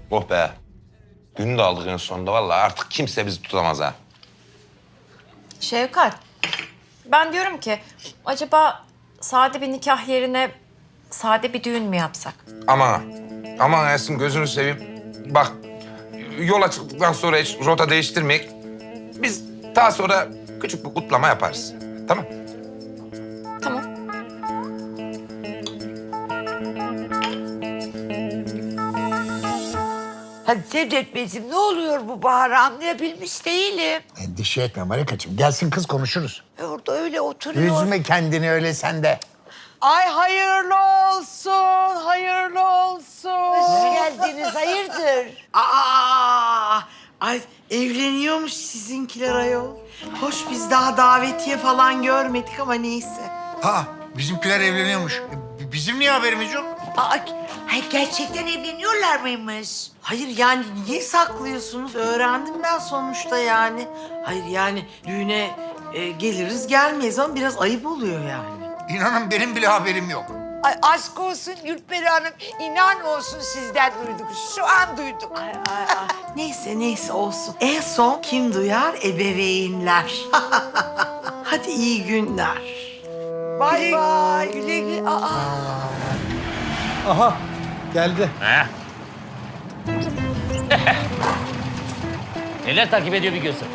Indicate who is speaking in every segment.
Speaker 1: Oh be. Günü de aldık en sonunda. Vallahi artık kimse bizi tutamaz ha.
Speaker 2: Şevkat, ben diyorum ki acaba sade bir nikah yerine sade bir düğün mü yapsak?
Speaker 1: Aman, aman Esin gözünü seveyim. Bak, yola çıktıktan sonra hiç rota değiştirmeyek. Biz daha sonra küçük bir kutlama yaparız. Tamam?
Speaker 2: Tamam.
Speaker 3: Hadi Cevdet Beyciğim, ne oluyor bu Bahar'ı anlayabilmiş değilim.
Speaker 4: Endişe etme Marikacığım. Gelsin kız konuşuruz.
Speaker 3: Orada öyle oturuyor.
Speaker 4: Üzme kendini öyle sen de.
Speaker 5: Ay hayırlı olsun, hayırlı olsun.
Speaker 3: Hoş geldiniz, hayırdır?
Speaker 5: Ay evleniyormuş sizinkiler ayol. Hoş biz daha davetiye falan görmedik ama neyse.
Speaker 4: Ha, bizimkiler evleniyormuş. Bizim niye haberimiz yok?
Speaker 3: Gerçekten evleniyorlar mıymış?
Speaker 5: Hayır yani niye saklıyorsunuz? Öğrendim ben sonuçta yani. Hayır yani düğüne geliriz gelmeyiz ama biraz ayıp oluyor yani.
Speaker 4: İnanın benim bile haberim yok.
Speaker 3: Ay aşk olsun Gülperi Hanım, inan olsun sizden duyduk. Şu an duyduk.
Speaker 5: Ay. Neyse olsun. En son kim duyar? Ebeveynler. Hadi iyi günler.
Speaker 3: Bay bay, güle güle.
Speaker 6: Aha geldi.
Speaker 7: Neler takip ediyor bir görsen.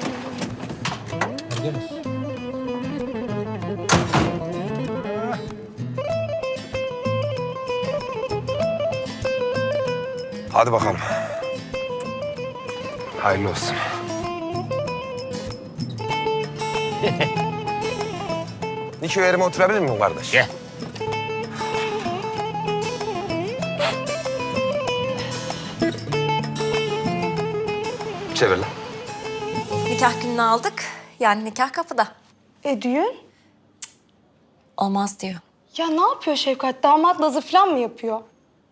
Speaker 1: Hadi bakalım. Hayırlı olsun. Niko yerime oturabilir miyim kardeş?
Speaker 7: Gel.
Speaker 1: Çevir lan.
Speaker 2: Nikah gününü aldık. Yani nikah kapıda.
Speaker 8: Düğün?
Speaker 2: Olmaz diyor.
Speaker 8: Ya ne yapıyor Şevkat? Damat nazı falan mı yapıyor?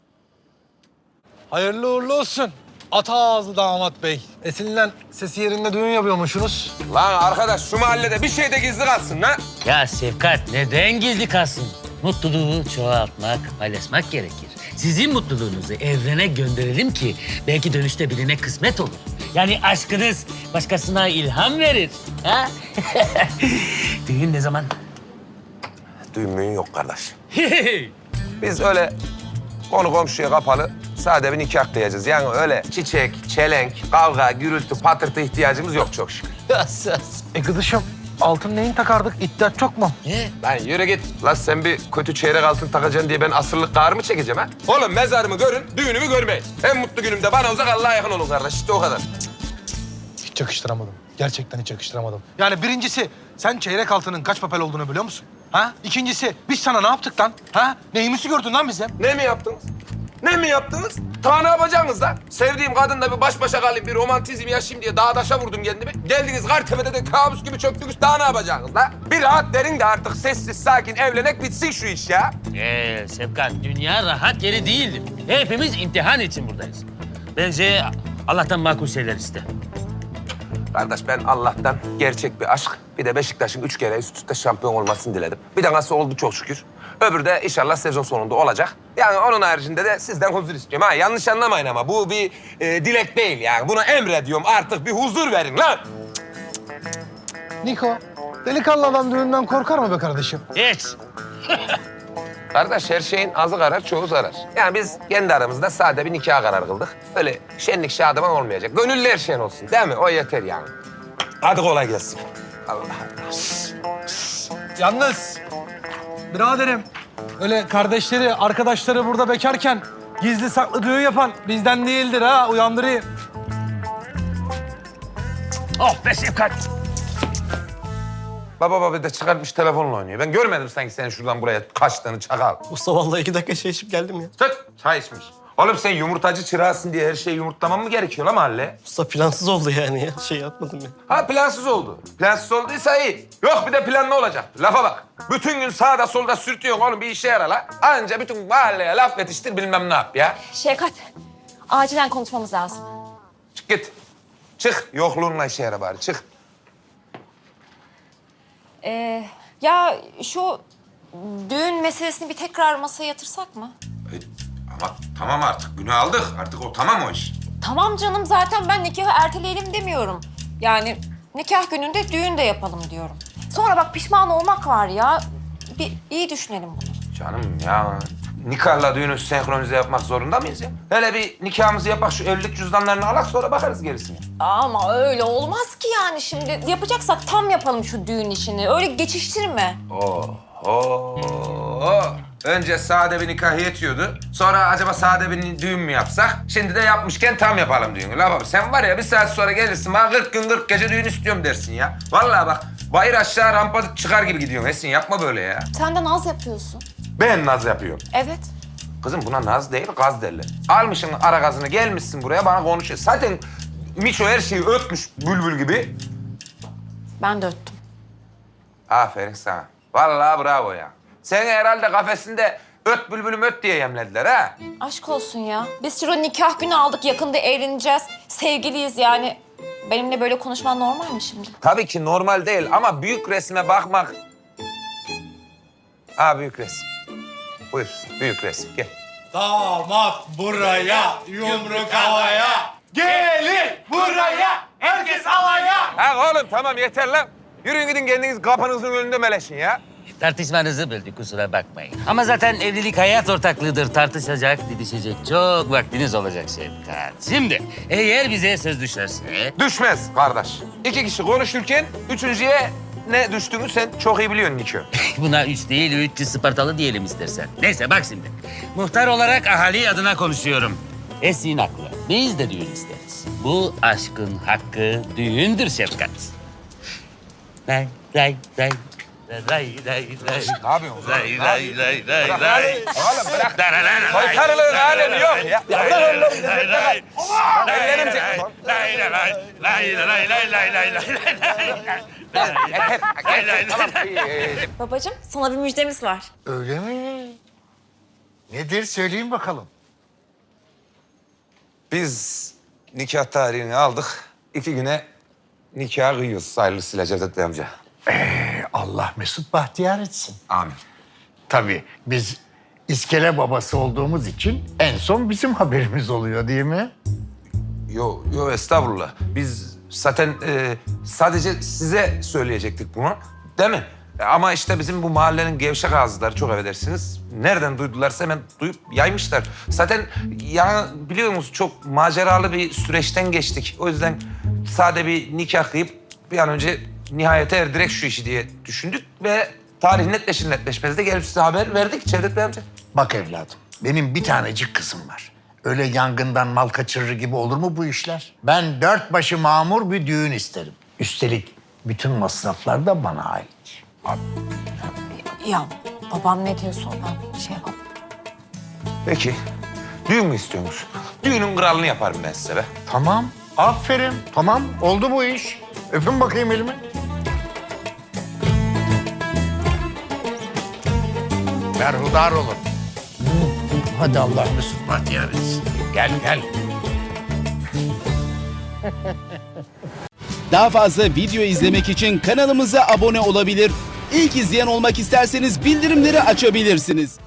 Speaker 6: Hayırlı uğurlu olsun. Ata ağzı damat bey. Esin'le sesi yerinde düğün yapıyormuşsunuz.
Speaker 1: Lan arkadaş şu mahallede bir şey de gizli kalsın lan.
Speaker 7: Ya Şefkat neden gizli kalsın? Mutluluğu çoğaltmak, paylaşmak gerekir. Sizin mutluluğunuzu evrene gönderelim ki belki dönüşte birine kısmet olur. Yani aşkınız başkasına ilham verir. Ha? Düğün ne zaman?
Speaker 1: Düğün müğün yok kardeş. Biz öyle konu komşuya kapalı sade bir nikah kıyacağız. Yani öyle çiçek, çelenk, kavga, gürültü, patırtı ihtiyacımız yok çok şükür.
Speaker 6: Kızışım altın neyin takardık? İddiat çok mu?
Speaker 1: Lan yürü git. Lan sen bir kötü çeyrek altın takacaksın diye ben asırlık kâr mı çekeceğim ha? Oğlum mezarımı görün, düğünümü görmeyin. En mutlu günümde bana uzak, Allah'a yakın olun kardeş. İşte o kadar.
Speaker 6: Hiç yakıştıramadım. Gerçekten hiç yakıştıramadım. Yani birincisi sen çeyrek altının kaç papel olduğunu biliyor musun? Ha? İkincisi biz sana ne yaptık lan? Ha? Neyimizi gördün lan bize?
Speaker 1: Ne mi yaptınız? Ne mi yaptınız? Ta ne yapacaksınız lan? Sevdiğim kadınla bir baş başa kalayım, bir romantizm yaşayayım diye dağa taşa vurdum kendimi. Geldiniz Kartepe'de de kabus gibi çöktünüz. Daha ne yapacaksınız lan? Bir rahat verin de artık sessiz sakin evlenek bitsin şu iş ya.
Speaker 7: Şefkat, dünya rahat yeri değildir. Hepimiz imtihan için buradayız. Bence Allah'tan makul şeyler iste.
Speaker 1: Kardeş ben Allah'tan gerçek bir aşk, bir de Beşiktaş'ın 3 kere üst üste şampiyon olmasını diledim. Bir de nasıl oldu çok şükür. Öbürü de inşallah sezon sonunda olacak. Yani onun haricinde de sizden huzur istiyorum. Ha yanlış anlamayın ama bu bir dilek değil yani. Buna emrediyorum artık bir huzur verin lan.
Speaker 6: Niko, delikanlı adam düğünden korkar mı be kardeşim?
Speaker 7: Hiç.
Speaker 1: Kardeş her şeyin azı karar, çoğu zarar. Yani biz kendi aramızda sade bir nikah karar kıldık. Öyle şenlik şadıman olmayacak. Gönüllü her şeyin olsun değil mi? O yeter yani. Hadi kolay gelsin. Allah Allah.
Speaker 6: Yalnız biraderim öyle kardeşleri, arkadaşları burada bekarken gizli saklı düğün yapan bizden değildir ha, uyandırayım.
Speaker 7: Oh be Şefkat.
Speaker 1: Baba bir de çıkartmış telefonla oynuyor. Ben görmedim sanki senin şuradan buraya kaçtığını çakal.
Speaker 9: Usta vallahi 2 dakika şey içip geldim ya.
Speaker 1: Tut, çay içmiş. Oğlum sen yumurtacı çırağısın diye her şeyi yumurtlamam mı gerekiyor lan mahalle?
Speaker 9: Usta plansız oldu yani ya. Şey yapmadım ya.
Speaker 1: Ha plansız oldu. Plansız olduysa iyi. Yok bir de planlı olacak. Lafa bak. Bütün gün sağda solda sürtüyorsun oğlum bir işe yara la. Anca bütün mahalleye laf yetiştir bilmem ne yap ya.
Speaker 2: Şevkat, acilen konuşmamız lazım.
Speaker 1: Çık git. Çık. Yokluğunla işe yara bari çık.
Speaker 2: Ya şu düğün meselesini bir tekrar masaya yatırsak mı?
Speaker 1: Ama tamam artık günü aldık. Artık o tamam o iş.
Speaker 2: Tamam canım, zaten ben nikahı erteleyelim demiyorum. Yani nikah gününde düğün de yapalım diyorum. Sonra bak pişman olmak var ya. Bir iyi düşünelim bunu.
Speaker 1: Canım ya nikahla düğünü senkronize yapmak zorunda mıyız ya? Hele bir nikahımızı yapak, şu evlilik cüzdanlarını alak, sonra bakarız gerisine.
Speaker 2: Ama öyle olmaz ki yani şimdi. Yapacaksak tam yapalım şu düğün işini. Öyle geçiştirme.
Speaker 1: Oho. Önce sade bir nikah yetiyordu. Sonra acaba sade bir düğün mü yapsak? Şimdi de yapmışken tam yapalım düğünü. La baba sen var ya bir saat sonra gelirsin bana 40 gün 40 gece düğün istiyorum dersin ya. Vallahi bak bayır aşağı rampa çıkar gibi gidiyorsun Esin, yapma böyle ya.
Speaker 2: Sen de naz yapıyorsun.
Speaker 1: Ben naz yapıyorum.
Speaker 2: Evet.
Speaker 1: Kızım buna naz değil gaz derler. Almışsın ara gazını gelmişsin buraya bana konuşuyor. Zaten Miço her şeyi ötmüş bülbül gibi.
Speaker 2: Ben de öttüm.
Speaker 1: Aferin sana. Vallahi bravo ya. Seni herhalde kafesinde öt bülbülüm öt diye yemlediler ha.
Speaker 2: Aşk olsun ya. Biz şurada nikah günü aldık. Yakında evleneceğiz. Sevgiliyiz yani. Benimle böyle konuşman normal mi şimdi?
Speaker 1: Tabii ki normal değil ama büyük resme bakmak... büyük resim. Buyur, büyük resim. Gel.
Speaker 4: Damat buraya, yumruk havaya. Gelin buraya, herkes alaya.
Speaker 1: Ha oğlum tamam yeter lan. Yürüyün gidin kendiniz kapınızın önünde meleşin ya.
Speaker 7: Tartışmanızı böldük, kusura bakmayın. Ama zaten evlilik hayat ortaklığıdır. Tartışacak, didişecek çok vaktiniz olacak Şefkat. Şimdi eğer bize söz düşerse...
Speaker 1: Düşmez kardeş. 2 kişi konuşurken üçüncüye ne düştüğünü sen çok iyi biliyorsun Nikö.
Speaker 7: Buna 3 değil, 300 Spartalı diyelim istersen. Neyse bak şimdi. Muhtar olarak ahali adına konuşuyorum. Esin haklı. Biz de düğün isteriz. Bu aşkın hakkı düğündür Şefkat. Lay lay lay. Lay lay lay.
Speaker 1: Ne yapıyorsun?
Speaker 7: Lay lay lay lay
Speaker 1: Bırak
Speaker 7: lay.
Speaker 1: oğlum bırak.
Speaker 7: Lay lay lay.
Speaker 1: Soytarılığın alemi yok ya.
Speaker 7: Lay
Speaker 1: Bırak
Speaker 7: lay
Speaker 1: oğlum.
Speaker 7: lay lay.
Speaker 1: Ellerim çek.
Speaker 7: Lay lay lay. Lay lay lay lay lay lay.
Speaker 2: Babacığım sana bir müjdemiz var.
Speaker 4: Öyle mi? Nedir söyleyin bakalım.
Speaker 1: Biz nikah tarihini aldık. 2 güne nikah kıyıyoruz hayırlısıyla Cevdet Bey amca.
Speaker 4: Allah mesut bahtiyar etsin.
Speaker 1: Amin.
Speaker 4: Tabii biz iskele babası olduğumuz için en son bizim haberimiz oluyor değil mi?
Speaker 1: Yo estağfurullah. Biz zaten sadece size söyleyecektik bunu. Değil mi? Ama işte bizim bu mahallenin gevşek ağızları çok affedersiniz. Nereden duydularsa hemen duyup yaymışlar. Zaten ya biliyor musunuz çok maceralı bir süreçten geçtik. O yüzden sade bir nikah kıyıp bir an önce nihayete erdirek şu işi diye düşündük ve tarih netleşir netleşmez de gelip size haber verdik Cevdet Bey amca.
Speaker 4: Bak evladım, benim bir tanecik kızım var. Öyle yangından mal kaçırır gibi olur mu bu işler? Ben 4 başı mamur bir düğün isterim. Üstelik bütün masraflar da bana ait.
Speaker 2: Ya babam ne diyorsa ben şey yapamam.
Speaker 1: Peki düğün mü istiyorsunuz? Düğünün kralını yaparım ben size be.
Speaker 4: Tamam, aferin. Tamam, oldu bu iş. Öpün bakayım elimi. Berhudar olun. Hadi Allah mesut bahtiyar etsin. Gel, gel.
Speaker 10: Daha fazla video izlemek için kanalımıza abone olabilir. İlk izleyen olmak isterseniz bildirimleri açabilirsiniz.